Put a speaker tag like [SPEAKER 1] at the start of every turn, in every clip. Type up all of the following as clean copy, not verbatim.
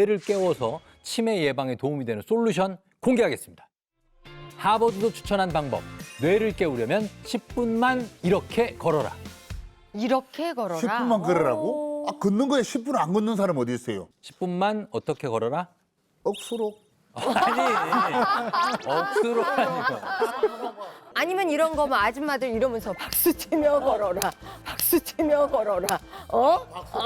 [SPEAKER 1] 뇌를 깨워서 치매 예방에 도움이 되는 솔루션 공개하겠습니다. 하버드도 추천한 방법, 뇌를 깨우려면 10분만 이렇게 걸어라.
[SPEAKER 2] 이렇게 걸어라.
[SPEAKER 3] 10분만 걸으라고? 아, 걷는 거에 10분 안 걷는 사람 어디 있어요?
[SPEAKER 1] 10분만 어떻게 걸어라?
[SPEAKER 3] 억수로.
[SPEAKER 1] 아니, 억수로 아니고.
[SPEAKER 2] 아니면 이런 거면 아줌마들 이러면서 박수 치며 걸어라. 박수 치며 걸어라. 어?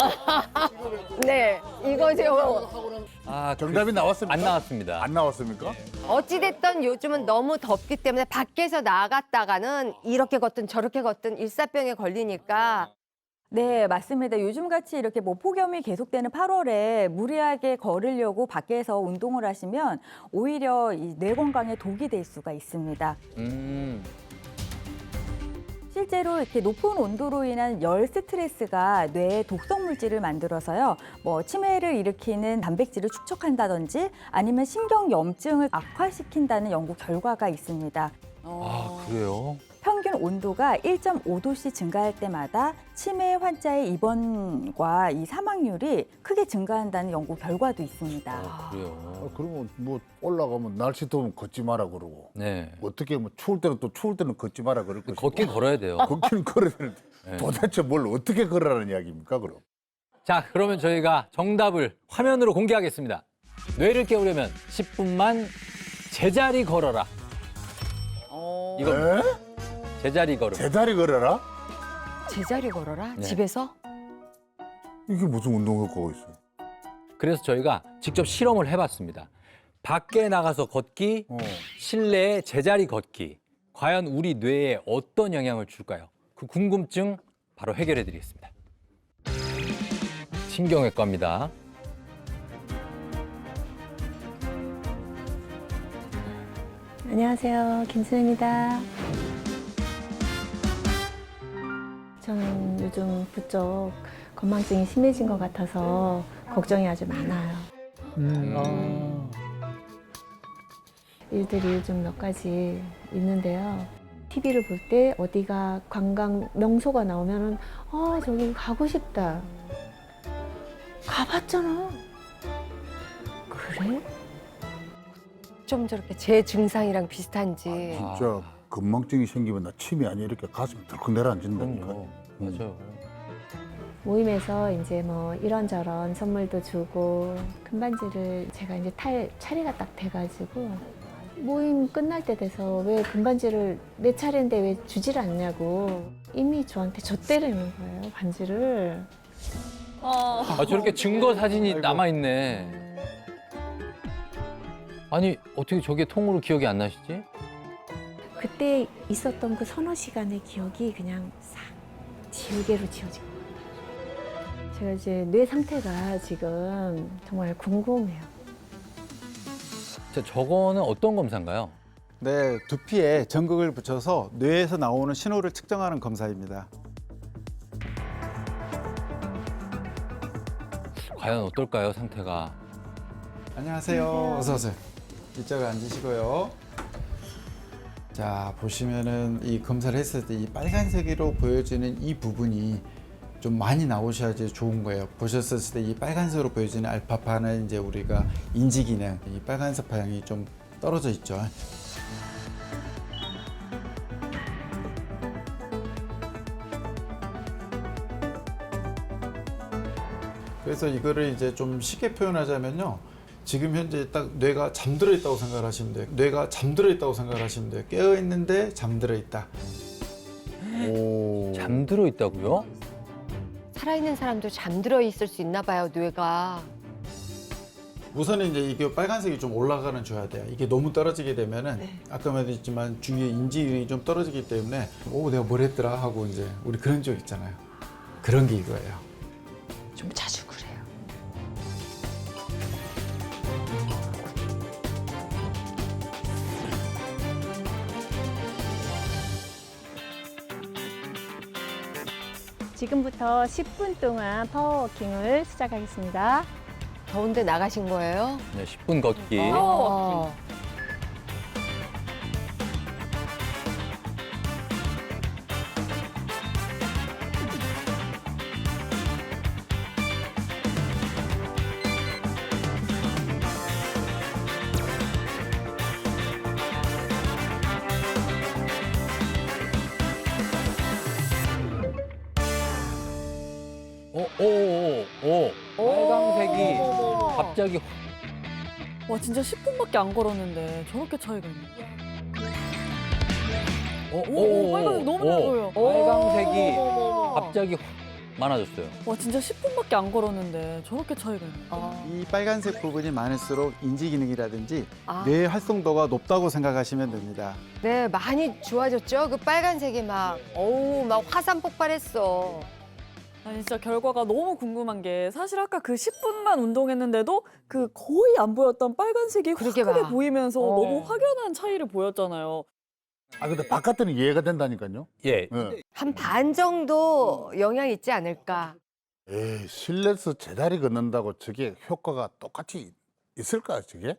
[SPEAKER 2] 네, 이거죠.
[SPEAKER 1] 아,
[SPEAKER 3] 정답이 나왔습니까?
[SPEAKER 1] 안 나왔습니다.
[SPEAKER 3] 안 나왔습니까?
[SPEAKER 2] 어찌됐든 요즘은 너무 덥기 때문에 밖에서 나갔다가는 이렇게 걷든 저렇게 걷든 일사병에 걸리니까
[SPEAKER 4] 네, 맞습니다. 요즘같이 이렇게 뭐 폭염이 계속되는 8월에 무리하게 걸으려고 밖에서 운동을 하시면 오히려 이 뇌 건강에 독이 될 수가 있습니다. 실제로 이렇게 높은 온도로 인한 열 스트레스가 뇌에 독성 물질을 만들어서요, 뭐 치매를 일으키는 단백질을 축적한다든지 아니면 신경 염증을 악화시킨다는 연구 결과가 있습니다.
[SPEAKER 1] 아, 그래요?
[SPEAKER 4] 평균 온도가 1.5도씩 증가할 때마다 치매 환자의 입원과 이 사망률이 크게 증가한다는 연구 결과도 있습니다.
[SPEAKER 1] 아, 그래요?
[SPEAKER 3] 아, 그러면 뭐 올라가면 날씨 더우면 걷지 마라 그러고.
[SPEAKER 1] 네.
[SPEAKER 3] 어떻게 뭐 추울 때는 또 추울 때는 걷지 마라 그럴 것이고.
[SPEAKER 1] 걷긴 걸어야 돼요.
[SPEAKER 3] 걷기는 걸어야 되는데
[SPEAKER 1] 네.
[SPEAKER 3] 도대체 뭘 어떻게 걸으라는 이야기입니까 그럼?
[SPEAKER 1] 자, 그러면 저희가 정답을 화면으로 공개하겠습니다. 뇌를 깨우려면 10분만 제자리 걸어라. 이거
[SPEAKER 3] 에?
[SPEAKER 1] 제자리 걸음.
[SPEAKER 3] 제자리 걸어라?
[SPEAKER 2] 제자리 걸어라.
[SPEAKER 1] 네.
[SPEAKER 2] 집에서?
[SPEAKER 3] 이게 무슨 운동 효과가 있어요?
[SPEAKER 1] 그래서 저희가 직접 실험을 해봤습니다. 밖에 나가서 걷기, 실내에 제자리 걷기. 과연 우리 뇌에 어떤 영향을 줄까요? 그 궁금증 바로 해결해드리겠습니다. 신경외과입니다.
[SPEAKER 5] 안녕하세요. 김수현입니다. 저는 요즘 부쩍 건망증이 심해진 것 같아서 걱정이 아주 많아요. 일들이 요즘 몇 가지 있는데요. TV를 볼 때 어디가 관광 명소가 나오면은 저기 가고 싶다. 가봤잖아. 그래?
[SPEAKER 2] 좀 저렇게 제 증상이랑 비슷한지.
[SPEAKER 3] 진짜 건망증이 생기면 나 침이 아니야 이렇게 가슴이 덜컥 내려앉는다니까.
[SPEAKER 1] 그럼요. 맞아요.
[SPEAKER 5] 모임에서 이제 뭐 이런저런 선물도 주고 금반지를 제가 이제 탈 차례가 딱 돼가지고 모임 끝날 때 돼서 왜 금반지를 내 차례인데 왜 주질 않냐고 이미 저한테 줬대라는 거예요, 반지를.
[SPEAKER 1] 아, 저렇게 증거 사진이 남아있네. 아니, 어떻게 저게 통으로 기억이 안 나시지?
[SPEAKER 5] 그때 있었던 그 서너 시간의 기억이 그냥 싹 지우개로 지워진 것 같아요. 제가 이제 뇌 상태가 지금 정말 궁금해요.
[SPEAKER 1] 자, 저거는 어떤 검사인가요?
[SPEAKER 6] 네, 두피에 전극을 붙여서 뇌에서 나오는 신호를 측정하는 검사입니다.
[SPEAKER 1] 과연 어떨까요, 상태가?
[SPEAKER 6] 안녕하세요. 어서 오세요. 이쪽에 앉으시고요. 자, 보시면은 이 검사를 했을 때 이 빨간색으로 보여지는 이 부분이 좀 많이 나오셔야지 좋은 거예요. 보셨을 때 이 빨간색으로 보여지는 알파파는 이제 우리가 인지 기능, 이 빨간색 방향이 좀 떨어져 있죠. 그래서 이거를 이제 좀 쉽게 표현하자면요. 지금 현재 딱 뇌가 잠들어 있다고 생각하시면 돼요. 뇌가 잠들어 있다고 생각하시면 돼요. 깨어 있는데 잠들어 있다.
[SPEAKER 3] 오.
[SPEAKER 1] 잠들어 있다고요?
[SPEAKER 2] 살아있는 사람도 잠들어 있을 수 있나 봐요, 뇌가.
[SPEAKER 6] 우선은 이제 이게 빨간색이 좀 올라가는 줘야 돼요. 이게 너무 떨어지게 되면은 아까 말했지만 주위에 인지율이 좀 떨어지기 때문에 내가 뭘 했더라 하고 이제 우리 그런 적 있잖아요. 그런 게 이거예요.
[SPEAKER 2] 좀 자주 그래요.
[SPEAKER 5] 지금부터 10분 동안 파워워킹을 시작하겠습니다.
[SPEAKER 2] 더운데 나가신 거예요?
[SPEAKER 1] 네, 10분 걷기.
[SPEAKER 2] 어.
[SPEAKER 1] 갑자기
[SPEAKER 7] 와 진짜 10분밖에 안 걸었는데 저렇게 차이가 있네. 오, 빨간색 너무 잘 보여.
[SPEAKER 1] 빨강색이
[SPEAKER 2] 어머.
[SPEAKER 1] 갑자기 확 많아졌어요.
[SPEAKER 7] 와 진짜 10분밖에 안 걸었는데 저렇게 차이가 있네.
[SPEAKER 6] 이 빨간색 부분이 많을수록 인지 기능이라든지
[SPEAKER 2] 아.
[SPEAKER 6] 뇌 활성도가 높다고 생각하시면 됩니다.
[SPEAKER 2] 네, 많이 좋아졌죠. 그 빨간색이 막 화산 폭발했어.
[SPEAKER 7] 아니 진짜 결과가 너무 궁금한 게 사실 아까 그 10분만 운동했는데도 그 거의 안 보였던 빨간색이 확
[SPEAKER 2] 그러게
[SPEAKER 7] 크게
[SPEAKER 2] 봐.
[SPEAKER 7] 보이면서
[SPEAKER 2] 어.
[SPEAKER 7] 너무 확연한 차이를 보였잖아요.
[SPEAKER 3] 아 근데 바깥에는 이해가 된다니까요.
[SPEAKER 1] 예.
[SPEAKER 3] 예.
[SPEAKER 2] 한 반 정도 영향이 있지 않을까.
[SPEAKER 3] 에이, 실내에서 제자리 걷는다고 저게 효과가 똑같이 있을까 저게?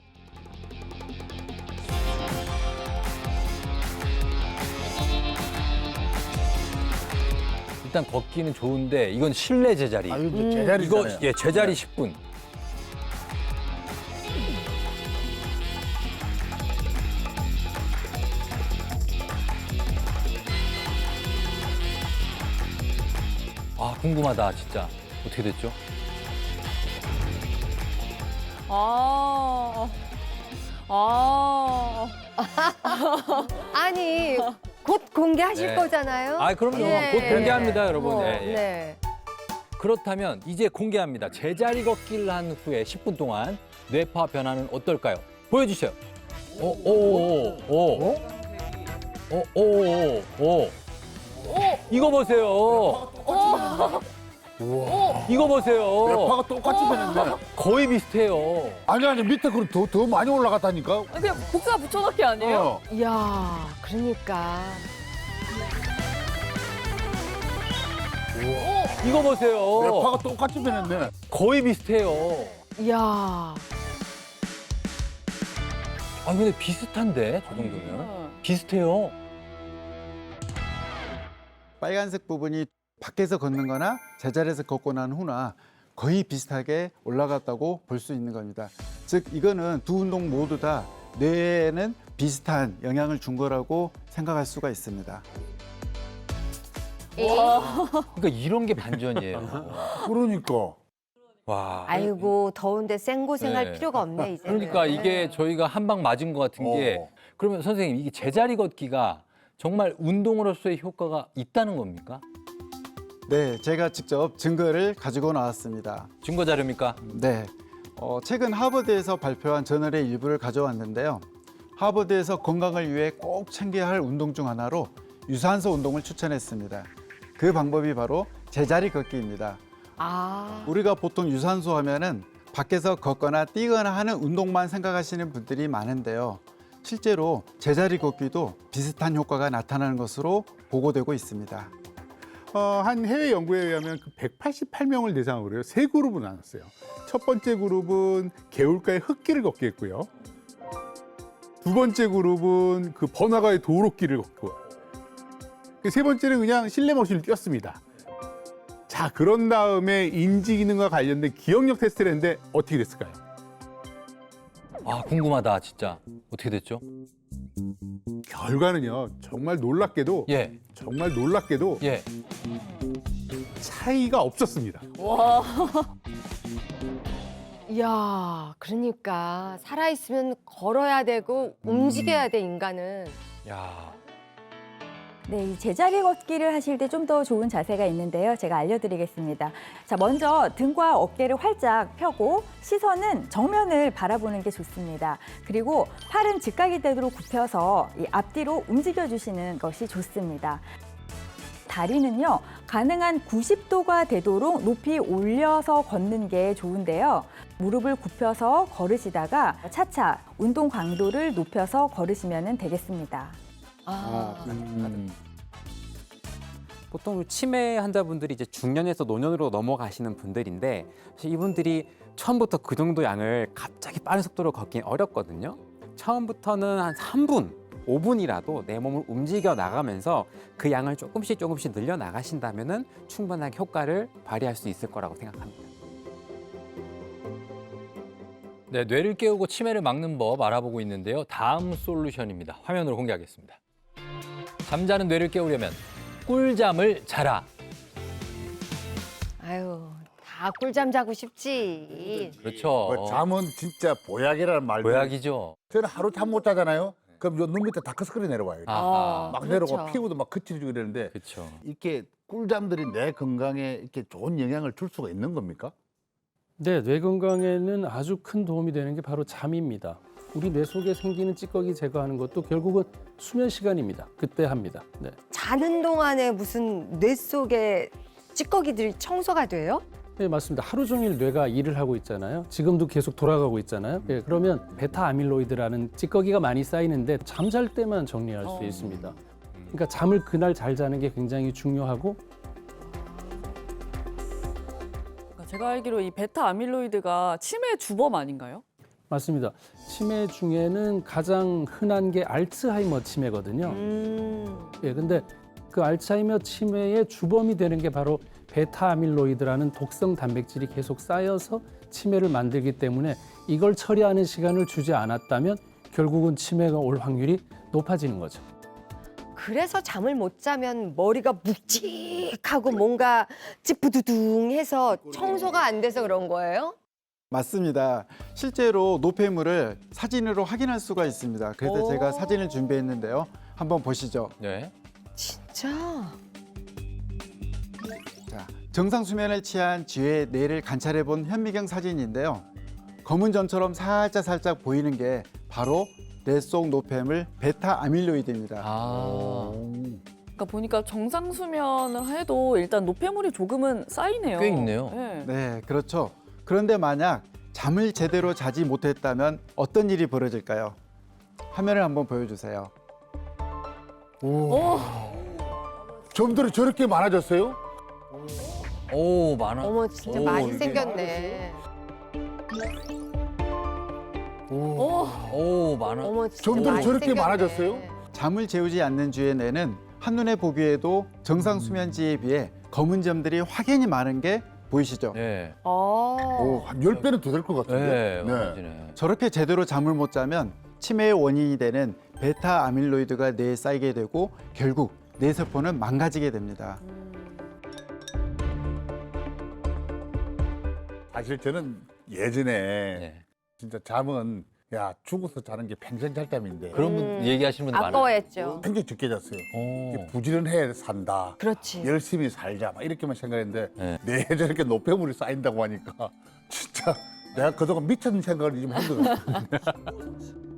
[SPEAKER 1] 일단 걷기는 좋은데 이건 실내 제자리.
[SPEAKER 3] 아 이거 제자리잖아요.
[SPEAKER 1] 이거 예, 제자리 10분. 아, 궁금하다, 진짜. 어떻게 됐죠?
[SPEAKER 7] 아.
[SPEAKER 2] 아니, 곧 공개하실
[SPEAKER 1] 네.
[SPEAKER 2] 거잖아요.
[SPEAKER 1] 아, 그럼요.
[SPEAKER 2] 예.
[SPEAKER 1] 곧 공개합니다, 여러분.
[SPEAKER 2] 뭐,
[SPEAKER 1] 예, 예.
[SPEAKER 2] 네.
[SPEAKER 1] 그렇다면 이제 공개합니다. 제자리 걷기를 한 후에 10분 동안 뇌파 변화는 어떨까요? 보여주세요. 오. 이거 보세요. 이거 보세요.
[SPEAKER 3] 뇌파가 똑같이 변했네.
[SPEAKER 1] 거의 비슷해요.
[SPEAKER 3] 아니 밑에 그럼 더 많이 올라갔다니까.
[SPEAKER 7] 그냥 복사 붙여넣기 아니에요?
[SPEAKER 3] 어.
[SPEAKER 2] 이야, 그러니까.
[SPEAKER 1] 이거 보세요.
[SPEAKER 3] 뇌파가 똑같이 변했네.
[SPEAKER 1] 거의 비슷해요.
[SPEAKER 2] 이야.
[SPEAKER 1] 아, 근데 비슷한데, 저 정도면. 비슷해요.
[SPEAKER 6] 빨간색 부분이 밖에서 걷는 거나 제자리에서 걷고 난 후나 거의 비슷하게 올라갔다고 볼 수 있는 겁니다. 즉 이거는 두 운동 모두 다 뇌에는 비슷한 영향을 준 거라고 생각할 수가 있습니다.
[SPEAKER 1] 그러니까 이런 게 반전이에요.
[SPEAKER 3] 그러니까.
[SPEAKER 1] 와.
[SPEAKER 2] 아이고, 더운데 생고생할
[SPEAKER 1] 네.
[SPEAKER 2] 필요가 없네, 이제.
[SPEAKER 1] 그러니까 이게 저희가 한 방 맞은 것 같은 게 그러면 선생님 이게 제자리 걷기가 정말 운동으로서의 효과가 있다는 겁니까?
[SPEAKER 6] 네, 제가 직접 증거를 가지고 나왔습니다.
[SPEAKER 1] 증거 자료입니까?
[SPEAKER 6] 네, 최근 하버드에서 발표한 저널의 일부를 가져왔는데요. 하버드에서 건강을 위해 꼭 챙겨야 할 운동 중 하나로 유산소 운동을 추천했습니다. 그 방법이 바로 제자리 걷기입니다.
[SPEAKER 2] 아.
[SPEAKER 6] 우리가 보통 유산소 하면은 밖에서 걷거나 뛰거나 하는 운동만 생각하시는 분들이 많은데요. 실제로 제자리 걷기도 비슷한 효과가 나타나는 것으로 보고되고 있습니다.
[SPEAKER 8] 한 해외 연구에 의하면 그 188명을 대상으로 세 그룹으로 나눴어요. 첫 번째 그룹은 개울가의 흙길을 걷기 했고요. 두 번째 그룹은 그 번화가의 도로길을 걷고, 그 세 번째는 그냥 실내 머신을 뛰었습니다. 자, 그런 다음에 인지 기능과 관련된 기억력 테스트를 했는데 어떻게 됐을까요?
[SPEAKER 1] 아, 궁금하다, 진짜. 어떻게 됐죠?
[SPEAKER 8] 결과는요, 정말 놀랍게도
[SPEAKER 1] 예,
[SPEAKER 8] 정말 놀랍게도 차이가 없었습니다.
[SPEAKER 7] 와.
[SPEAKER 2] 이야, 그러니까 살아있으면 걸어야 되고 움직여야 돼, 인간은.
[SPEAKER 1] 야,
[SPEAKER 4] 네, 이 제자리 걷기를 하실 때 좀 더 좋은 자세가 있는데요. 제가 알려드리겠습니다. 자, 먼저 등과 어깨를 활짝 펴고 시선은 정면을 바라보는 게 좋습니다. 그리고 팔은 직각이 되도록 굽혀서 이 앞뒤로 움직여주시는 것이 좋습니다. 다리는요, 가능한 90도가 되도록 높이 올려서 걷는 게 좋은데요. 무릎을 굽혀서 걸으시다가 차차 운동 강도를 높여서 걸으시면 되겠습니다.
[SPEAKER 9] 보통 치매 환자분들이 이제 중년에서 노년으로 넘어가시는 분들인데 사실 이분들이 처음부터 그 정도 양을 갑자기 빠른 속도로 걷긴 어렵거든요. 처음부터는 한 3분, 5분이라도 내 몸을 움직여 나가면서 그 양을 조금씩 늘려 나가신다면은 충분하게 효과를 발휘할 수 있을 거라고 생각합니다.
[SPEAKER 1] 네, 뇌를 깨우고 치매를 막는 법 알아보고 있는데요. 다음 솔루션입니다. 화면으로 공개하겠습니다. 잠자는 뇌를 깨우려면 꿀잠을 자라.
[SPEAKER 2] 아유, 꿀잠 자고 싶지.
[SPEAKER 1] 그렇죠.
[SPEAKER 3] 뭐 잠은 진짜 보약이라는 말도.
[SPEAKER 1] 보약이죠.
[SPEAKER 3] 저는 하루 잠 못 자잖아요. 그럼 요 눈 밑에 다크서클이 내려와요.
[SPEAKER 1] 아하.
[SPEAKER 3] 막
[SPEAKER 2] 그렇죠.
[SPEAKER 3] 내려오고 피부도 막 거칠어지고 이러는데
[SPEAKER 1] 그렇죠.
[SPEAKER 3] 이렇게 꿀잠들이 내 건강에 이렇게 좋은 영향을 줄 수가 있는 겁니까?
[SPEAKER 10] 네, 뇌 건강에는 아주 큰 도움이 되는 게 바로 잠입니다. 우리 뇌 속에 생기는 찌꺼기 제거하는 것도 결국은 수면 시간입니다. 그때 합니다. 네.
[SPEAKER 2] 자는 동안에 무슨 뇌 속에 찌꺼기들이 청소가 돼요?
[SPEAKER 10] 네, 맞습니다. 하루 종일 뇌가 일을 하고 있잖아요. 지금도 계속 돌아가고 있잖아요. 네, 그러면 베타 아밀로이드라는 찌꺼기가 많이 쌓이는데 잠잘 때만 정리할 수 있습니다. 그러니까 잠을 그날 잘 자는 게 굉장히 중요하고
[SPEAKER 7] 제가 알기로 이 베타 아밀로이드가 치매 주범 아닌가요?
[SPEAKER 10] 맞습니다. 치매 중에는 가장 흔한 게 알츠하이머 치매거든요. 예, 근데 그 알츠하이머 치매의 주범이 되는 게 바로 베타 아밀로이드라는 독성 단백질이 계속 쌓여서 치매를 만들기 때문에 이걸 처리하는 시간을 주지 않았다면 결국은 치매가 올 확률이 높아지는 거죠.
[SPEAKER 2] 그래서 잠을 못 자면 머리가 묵직하고 뭔가 찌뿌두둥해서 청소가 안 돼서 그런 거예요?
[SPEAKER 6] 맞습니다. 실제로 노폐물을 사진으로 확인할 수가 있습니다. 그래서
[SPEAKER 2] 오.
[SPEAKER 6] 제가 사진을 준비했는데요. 한번 보시죠.
[SPEAKER 1] 네.
[SPEAKER 2] 진짜?
[SPEAKER 6] 자, 정상 수면을 취한 쥐의 뇌를 관찰해 본 현미경 사진인데요. 검은 점처럼 살짝 보이는 게 바로 뇌 속 노폐물 베타 아밀로이드입니다.
[SPEAKER 1] 아,
[SPEAKER 7] 그러니까 보니까 정상 수면을 해도 일단 노폐물이 조금은 쌓이네요.
[SPEAKER 1] 꽤 있네요.
[SPEAKER 7] 네.
[SPEAKER 6] 네, 그렇죠. 그런데 만약 잠을 제대로 자지 못했다면 어떤 일이 벌어질까요? 화면을 한번 보여주세요.
[SPEAKER 3] 점들이 저렇게 많아졌어요?
[SPEAKER 1] 오, 많아.
[SPEAKER 2] 어머 진짜
[SPEAKER 1] 오,
[SPEAKER 2] 많이
[SPEAKER 1] 이게-
[SPEAKER 2] 생겼네.
[SPEAKER 1] 오, 많아.
[SPEAKER 2] 어머 진짜
[SPEAKER 3] 점들이
[SPEAKER 2] 많이
[SPEAKER 3] 저렇게
[SPEAKER 2] 생겼네.
[SPEAKER 3] 많아졌어요?
[SPEAKER 6] 잠을 재우지 않는 쥐의 뇌는 한눈에 보기에도 정상 수면지에 비해 검은 점들이 확연히 많은 게 보이시죠?
[SPEAKER 1] 네.
[SPEAKER 3] 한 10배는 더 될 것 같은데.
[SPEAKER 1] 네, 많아지네.
[SPEAKER 6] 저렇게 제대로 잠을 못 자면 치매의 원인이 되는 베타 아밀로이드가 뇌에 쌓이게 되고 결국 뇌세포는 망가지게 됩니다.
[SPEAKER 3] 사실 저는 예전에
[SPEAKER 1] 네.
[SPEAKER 3] 진짜 잠은 야 죽어서 자는 게 평생 잘 잠인데
[SPEAKER 1] 그런 분 얘기하시는 분들 많아요.
[SPEAKER 2] 아까워했죠.
[SPEAKER 3] 굉장히 적게 잤어요.
[SPEAKER 1] 오.
[SPEAKER 3] 이게 부지런해 산다.
[SPEAKER 2] 그렇지.
[SPEAKER 3] 열심히 살자 막 이렇게만 생각했는데
[SPEAKER 1] 네.
[SPEAKER 3] 뇌에 저렇게 노폐물이 쌓인다고 하니까 진짜 내가 그동안 미쳤는 생각을 좀 한 것 같아요.